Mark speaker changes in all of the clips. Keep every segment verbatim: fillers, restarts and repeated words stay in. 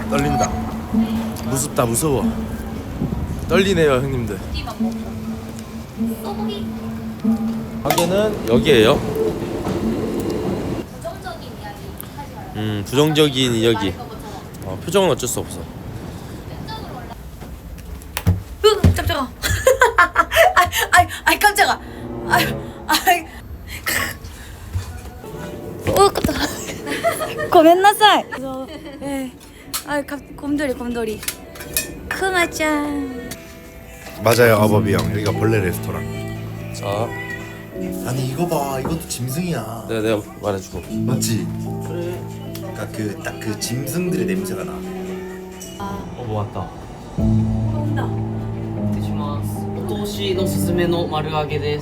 Speaker 1: 떨린다. 무섭다 무서워. 떨리네요 형님들. 가게는 여기에요.
Speaker 2: 부정적인 이야기 하지 말아요.
Speaker 1: 음 부정적인 이야기. 어, 표정은 어쩔 수 없어.
Speaker 2: 으 깜짝아. 아이 아이 아이 깜짝아. 아이 아이. 오 깜짝아. 고멘나사이. 예. 아이 갑 곰돌이 곰돌이. 크마짱.
Speaker 3: 맞아요, 아버비 형. 여기가 벌레 레스토랑.
Speaker 1: 자,
Speaker 3: 아니 이거 봐, 이것도 짐승이야.
Speaker 1: 내가 내가 말해주고.
Speaker 3: 맞지?
Speaker 1: 그래.
Speaker 3: 그러니까 그 딱 그 짐승들의 냄새가 나.
Speaker 1: 어 뭐 왔다.
Speaker 2: 온다.
Speaker 4: 失礼します。お通しのすすめの丸揚げです。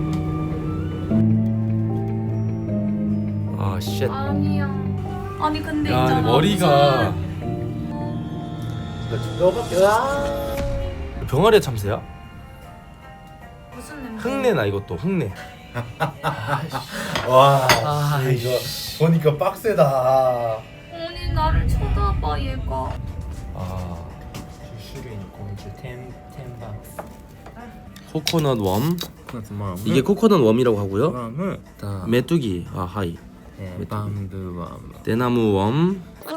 Speaker 1: 아 쉣.
Speaker 2: 아니야. 아니 근데
Speaker 1: 야
Speaker 2: 있잖아.
Speaker 1: 근데 머리가 병아리 참새야?
Speaker 2: 무슨, 무슨 냄새?
Speaker 1: 흙내나 이것도 흙내.
Speaker 3: 와,
Speaker 4: 아,
Speaker 3: 이거 보니까 빡세다.
Speaker 2: 아니 나를 쳐다봐 얘가.
Speaker 1: 아
Speaker 4: 種類の昆虫天天バン
Speaker 1: 코코넛 웜.
Speaker 3: 그렇지만
Speaker 1: 이게 코코넛 웜이라고 하고요.
Speaker 3: 그다음은
Speaker 4: 다
Speaker 1: 메뚜기. 아 하이.
Speaker 4: えーバンブーワーム
Speaker 1: 대나무 웜.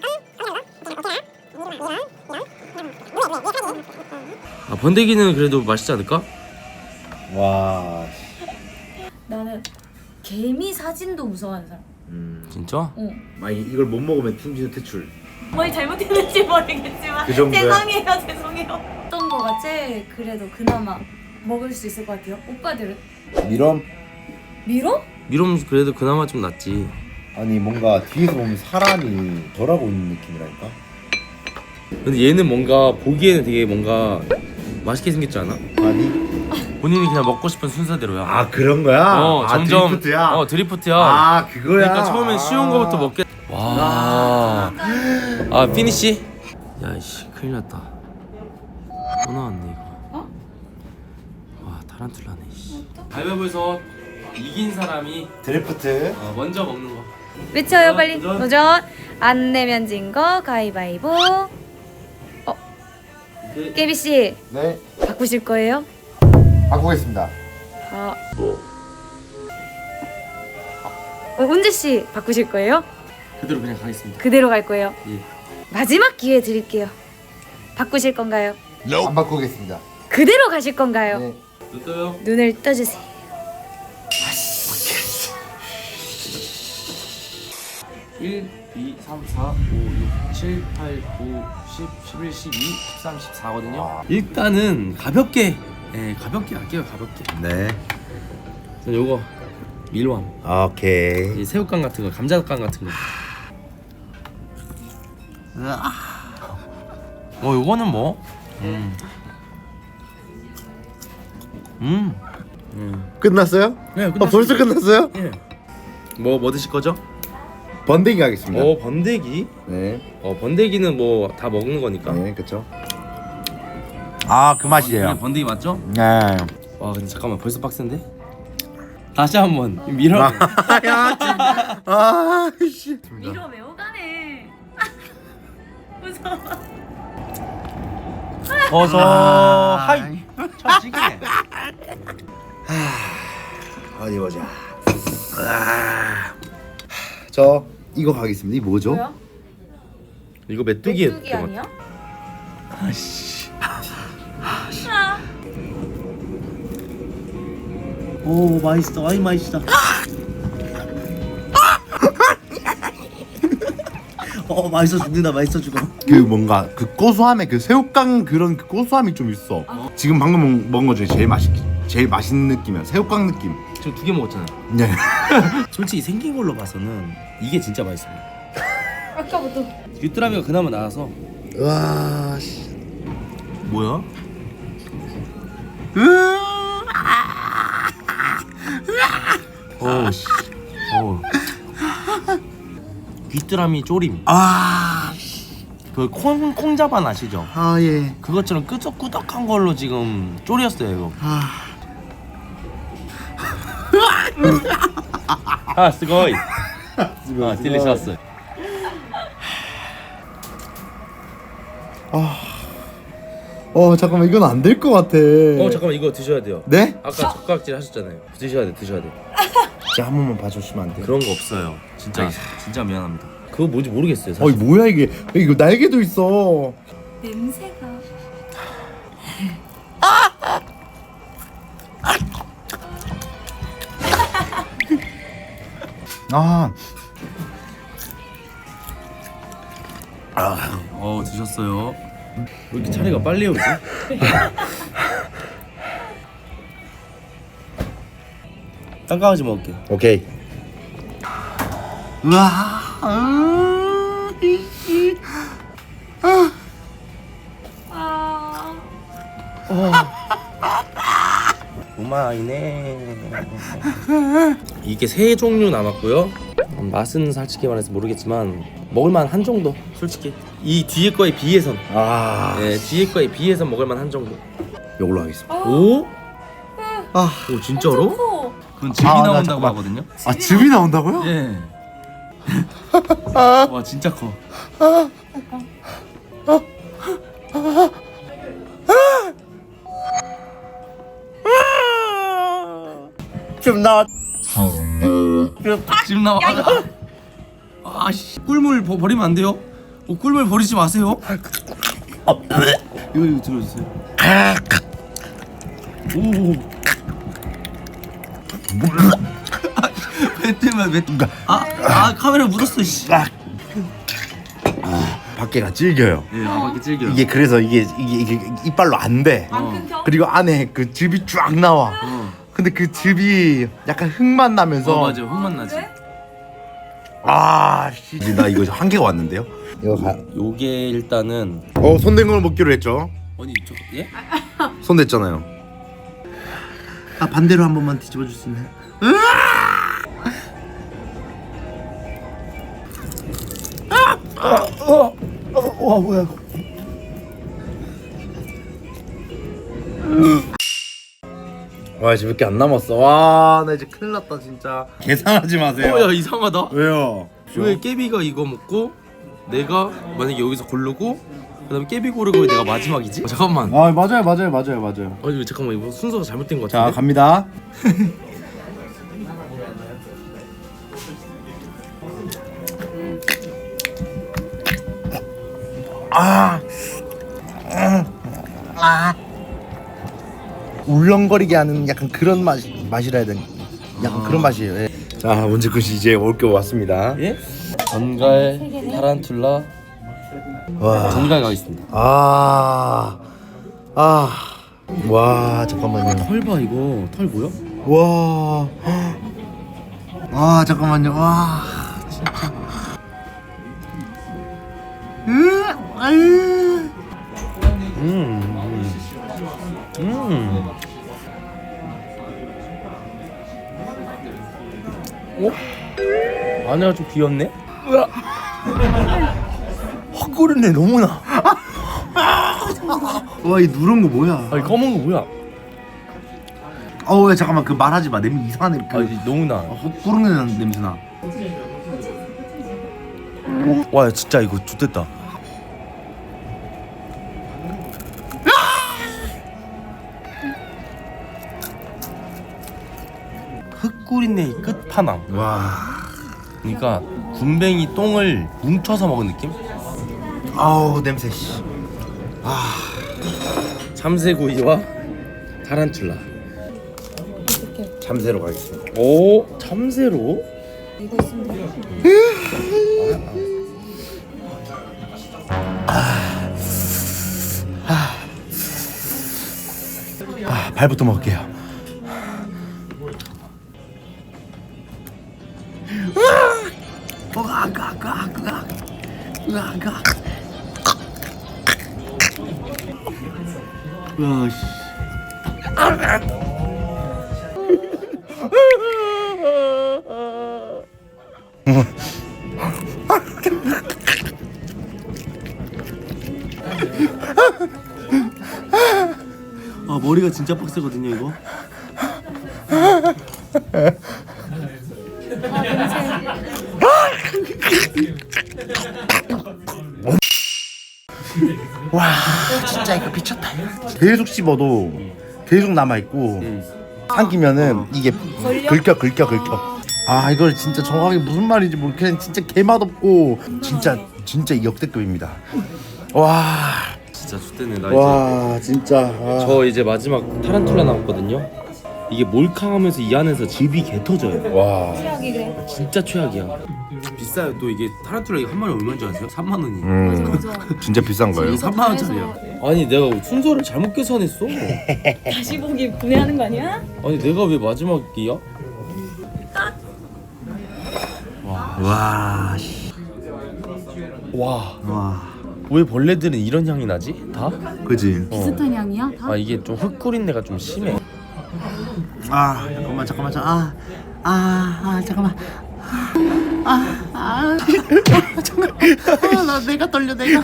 Speaker 1: 아 번데기는 그래도 맛있지 않을까?
Speaker 3: 와,
Speaker 2: 나는 개미 사진도 무서워하는 사람.
Speaker 3: 음,
Speaker 1: 진짜?
Speaker 2: 응.
Speaker 3: 막 이- 이걸 못 먹으면 팀진우 퇴출.
Speaker 2: 뭘 잘못했는지 모르겠지만
Speaker 3: 그 정도야?
Speaker 2: 죄송해요 죄송해요. 어떤 거가 제일 그래도 그나마 먹을 수 있을 것 같아요? 오빠들은?
Speaker 3: 미럼?
Speaker 2: 미로?
Speaker 1: 미롬 그래도 그나마 좀 낫지.
Speaker 3: 아니 뭔가 뒤에서 보면 사람이 덜하고 있는 느낌이랄까?
Speaker 1: 근데 얘는 뭔가 보기에는 되게 뭔가 맛있게 생겼지 않아?
Speaker 3: 아니?
Speaker 1: 본인이 그냥 먹고 싶은 순서대로야.
Speaker 3: 아 그런 거야?
Speaker 1: 어
Speaker 3: 아,
Speaker 1: 점점
Speaker 3: 드리프트야?
Speaker 1: 어 드리프트야.
Speaker 3: 아 그거야?
Speaker 1: 그러니까 처음엔 쉬운 거부터 먹게. 와. 아 피니시? 야이씨 큰일 났다. 또 나왔네 이거.
Speaker 2: 어?
Speaker 1: 와 타란툴라네. 씨. 가위바위보에서 이긴 사람이
Speaker 3: 드리프트.
Speaker 1: 어, 먼저 먹는 거.
Speaker 2: 외쳐요
Speaker 1: 도전,
Speaker 2: 빨리.
Speaker 1: 도전.
Speaker 2: 도전. 안 내면 진 거 가위바위보.
Speaker 1: 그,
Speaker 2: 깨비 씨
Speaker 3: 네,
Speaker 2: 바꾸실 거예요?
Speaker 3: 바꾸겠습니다.
Speaker 2: 아. 어, 은재 씨 바꾸실 거예요?
Speaker 1: 그대로 그냥 가겠습니다.
Speaker 2: 그대로 갈 거예요.
Speaker 1: 예.
Speaker 2: 마지막 기회 드릴게요. 바꾸실 건가요?
Speaker 3: 안 바꾸겠습니다.
Speaker 2: 그대로 가실 건가요?
Speaker 3: 네.
Speaker 1: 또 떠요.
Speaker 2: 눈을 떠주세요.
Speaker 1: 일, 이, 삼, 사, 오, 육, 칠, 팔, 구, 십, 십일, 십이, 십삼, 십사거든요.
Speaker 3: 와.
Speaker 1: 일단은 가볍게, 예, 가볍게 할게요, 가볍게.
Speaker 3: 네.
Speaker 1: 전 요거 밀웜,
Speaker 3: 오케이.
Speaker 1: 이 새우깡 같은 거, 감자깡 같은 거. 어, 요거는 뭐? 음, 음, 음.
Speaker 3: 끝났어요?
Speaker 1: 네,
Speaker 3: 아, 벌써 끝났어요?
Speaker 1: 예. 뭐, 뭐 드실 거죠?
Speaker 3: 번데기 하겠습니다.
Speaker 1: 어, 번데기.
Speaker 3: 네.
Speaker 1: 어, 번데기는 뭐 다 먹는 거니까.
Speaker 3: 네, 그렇죠. 아, 그 맛이에요.
Speaker 1: 그냥 번데기 맞죠?
Speaker 3: 네.
Speaker 1: 와 근데 잠깐만 벌써 빡센데? 다시 한번 밀어.
Speaker 3: 야, 진짜. 아, 씨.
Speaker 2: 밀어 매우 가네. 무서워.
Speaker 1: 어서
Speaker 3: 아.
Speaker 1: 하이. 처지게.
Speaker 3: 어디 보자. 아. 저 이거 가겠습니다. 이 뭐죠?
Speaker 2: 뭐야?
Speaker 1: 이거 메뚜기
Speaker 2: 메뚜기 아니야?
Speaker 1: 아씨.
Speaker 2: 아.
Speaker 1: 오 맛있어. 아이 맛있다. 어 맛있어 죽는다. 맛있어 죽어.
Speaker 3: 그 뭔가 그 고소함에 그 새우깡 그런 그 고소함이 좀 있어. 지금 방금 먹- 먹은 거 중에 제일 맛있 제일 맛있는 느낌이야. 새우깡 느낌.
Speaker 1: 지금 두 개 먹었잖아.
Speaker 3: 네.
Speaker 1: 솔직히 생긴 걸로 봐서는 이게 진짜 맛있습니다.
Speaker 2: 아까부터.
Speaker 1: 귀뚜라미가 그나마 나아서.
Speaker 3: 와, 씨.
Speaker 1: 뭐야? 어 씨. 어. 귀뚜라미 쪼림.
Speaker 3: 아,
Speaker 1: 그 콩 콩자반 아시죠?
Speaker 3: 아 예.
Speaker 1: 그것처럼 끄적끄덕한 걸로 지금 쪼렸어요 이거.
Speaker 3: 아,
Speaker 1: 아 스고이. 아 딜리셔스.
Speaker 3: 어 잠깐만 이건 안 될 것 같아.
Speaker 1: 어 잠깐만 이거 드셔야 돼요.
Speaker 3: 네?
Speaker 1: 아까 젓가락질 하셨잖아요. 드셔야 돼, 드셔야 돼.
Speaker 3: 진짜 한 번만 봐주시면 안 돼요?
Speaker 1: 그런 거 없어요. 진짜 진짜 미안합니다. 그거 뭔지 모르겠어요. 사실.
Speaker 3: 어이 뭐야 이게? 이거 날개도 있어.
Speaker 2: 냄새가.
Speaker 3: 아,
Speaker 1: 어 드셨어요. 왜 이렇게 차례가 빨리 오지? 깜깜하지 먹을게.
Speaker 3: 오케이. 우와. 아, 이씨.
Speaker 2: 아.
Speaker 1: 오마이네. 이게 세 종류 남았고요. 음, 맛은 솔직히 말해서 모르겠지만 먹을만 한 정도. 솔직히 이 뒤에 거에 비해선,
Speaker 3: 아,
Speaker 1: 네, 뒤에 거에 비해선 먹을만 한 정도.
Speaker 3: 이걸로 하겠습니다.
Speaker 1: 오?
Speaker 3: 아,
Speaker 1: 오 진짜로?
Speaker 2: 커.
Speaker 1: 그건 즙이
Speaker 3: 아, 나
Speaker 1: 나온다고
Speaker 3: 잠깐만.
Speaker 1: 하거든요.
Speaker 3: 아 즙이 나온다고요?
Speaker 1: 예. 와 진짜 커.
Speaker 3: 좀 나.
Speaker 1: 즙 나와. 아씨 꿀물 버, 버리면 안 돼요. 어, 꿀물 버리지 마세요. 이거 이거 들어주세요. 오. 뱉으면 뱉. 아, 아 카메라 묻었어 씨.
Speaker 3: 아, 밖에가 질겨요.
Speaker 1: 예, 아 밖에 질겨.
Speaker 3: 이게 그래서 이게 이게, 이게 이빨로 안 돼.
Speaker 2: 안 끊겨?
Speaker 3: 그리고 안에 그 즙이 쫙 나와.
Speaker 1: 어.
Speaker 3: 근데 그 즙이 약간 흙맛 나면서.
Speaker 1: 어 맞아 흙맛 나지.
Speaker 2: 그래?
Speaker 3: 아, 씨. 나 이거 한 개가 왔는데요. 이거 가.
Speaker 1: 요게 일단은
Speaker 3: 어, 손댄 걸 먹기로 했죠.
Speaker 1: 아니 저 예?
Speaker 3: 손 댔잖아요. 아, 반대로 한 번만 뒤집어 줄 수 있나요? 와, 뭐야 이거. 와, 이제 몇 개 안 남았어. 와, 나 이제 큰일 났다 진짜. 계산하지 마세요.
Speaker 1: 어야 이상하다.
Speaker 3: 왜요?
Speaker 1: 왜 깨비가 이거 먹고 내가 만약에 여기서 고르고 그다음에 깨비 고르고 왜 내가 마지막이지? 어, 잠깐만.
Speaker 3: 아, 맞아요, 맞아요, 맞아요, 맞아요.
Speaker 1: 아니 잠깐만 이거 순서가 잘못된 것
Speaker 3: 자,
Speaker 1: 같은데.
Speaker 3: 갑니다. 아, 아, 울렁거리게 하는 약간 그런 맛 맛이라 해야 되나? 약간 그런 맛이에요. 예. 자, 문제 끝이 이제 올 게 왔습니다.
Speaker 1: 예? 전갈, 타란툴라,
Speaker 3: 와,
Speaker 1: 전갈 가겠습니다.
Speaker 3: 아, 아, 와, 잠깐만요.
Speaker 1: 털 봐 이거 털 보여?
Speaker 3: 와, 와, 잠깐만요. 와, 진짜. 으, 아유.
Speaker 1: 음, 음, 음. 어? 안에가 좀 비었네?
Speaker 3: 헛구르네 너무나. 와, 이 누런 거 뭐야?
Speaker 1: 아니 검은 거 뭐야?
Speaker 3: 어, 왜 잠깐만 그 말하지 마. 냄새 이상하네. 그
Speaker 1: 아니 너무나.
Speaker 3: 헛구르는 냄새 나.
Speaker 1: 와 진짜 이거 좋댔다. 흙구리네 끝판왕.
Speaker 3: 와,
Speaker 1: 그러니까 군뱅이 똥을 뭉쳐서 먹은 느낌?
Speaker 3: 아우 냄새. 씨.
Speaker 1: 참새구이와 타란툴라.
Speaker 2: 이렇게
Speaker 3: 참새로 가겠습니다.
Speaker 1: 오 참새로?
Speaker 2: 이거 있으면 돼.
Speaker 3: 아, 발부터 먹을게요. 와, 씨.
Speaker 1: 아 머리가 진짜 빡세거든요 이거.
Speaker 3: 와 진짜 이거 미쳤다. 계속 씹어도 계속 남아 있고 삼키면은 이게 긁혀 긁혀 긁혀. 아 이걸 진짜 정확하게 무슨 말인지 모르. 그냥 진짜 개맛없고 진짜 진짜 역대급입니다. 와.
Speaker 1: 진짜 좋대네 나 이제.
Speaker 3: 와 진짜. 와.
Speaker 1: 저 이제 마지막 타란툴라 남았거든요. 이게 몰캉하면서 이 안에서 즙이 개 터져요.
Speaker 3: 와.
Speaker 2: 최악이 그래.
Speaker 1: 진짜 최악이야. 비싸요. 또 이게 타란툴라 이게 한 마리 얼마인 줄 아세요? 삼만 원이.
Speaker 3: 음
Speaker 2: 맞아.
Speaker 3: 진짜 비싼 거예요.
Speaker 1: 삼만 원짜리야. 아니 내가 순서를 잘못 계산했어.
Speaker 2: 다시 보기 분해하는 거 아니야?
Speaker 1: 아니 내가 왜 마지막이야?
Speaker 3: 와.
Speaker 1: 와.
Speaker 3: 와.
Speaker 1: 왜 벌레들은 이런 향이 나지? 다?
Speaker 3: 그지.
Speaker 2: 비슷한 향이야? 다?
Speaker 1: 아 이게 좀 흙구린내가 좀 심해.
Speaker 3: 아 잠깐만 잠깐만 잠깐. 아아 아, 잠깐만. 아아 아, 잠깐. 아, 나 내가 떨려 내가.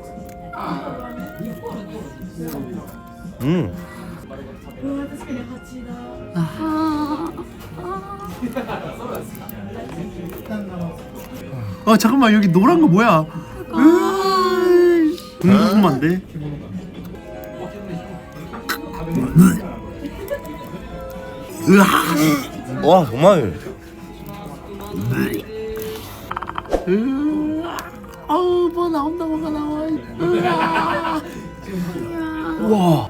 Speaker 1: 음.
Speaker 3: 아 잠깐만 여기 노란 거 뭐야? 으이, 궁금한데. 으아.
Speaker 1: 와 정말.
Speaker 3: 으아. 아우 뭐 나온다 뭐가 나와. 으아.
Speaker 1: 우와.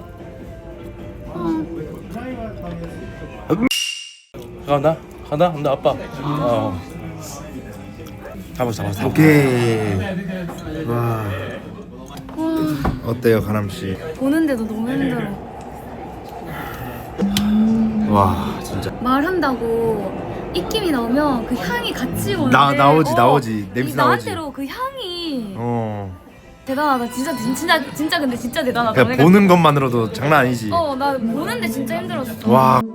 Speaker 1: 간다 간다 간다 아빠. 어. 잡았어 잡았어.
Speaker 3: 오케이. 와. 어때요 가람 씨?
Speaker 2: 보는데도 너무 힘들어.
Speaker 3: 와 진짜.
Speaker 2: 말한다고 입김이 나오면 그 향이 같이 오는데
Speaker 3: 나- 나오지,
Speaker 2: 어,
Speaker 3: 나오지. 냄새
Speaker 2: 이
Speaker 3: 나오지.
Speaker 2: 나한테로 그 향이
Speaker 3: 어.
Speaker 2: 대단하다. 진짜 진짜 진짜 근데 진짜 대단하다.
Speaker 3: 그냥
Speaker 2: 내가-
Speaker 3: 보는 것만으로도 장난 아니지.
Speaker 2: 어, 나 보는데 진짜 힘들었어.
Speaker 3: 와.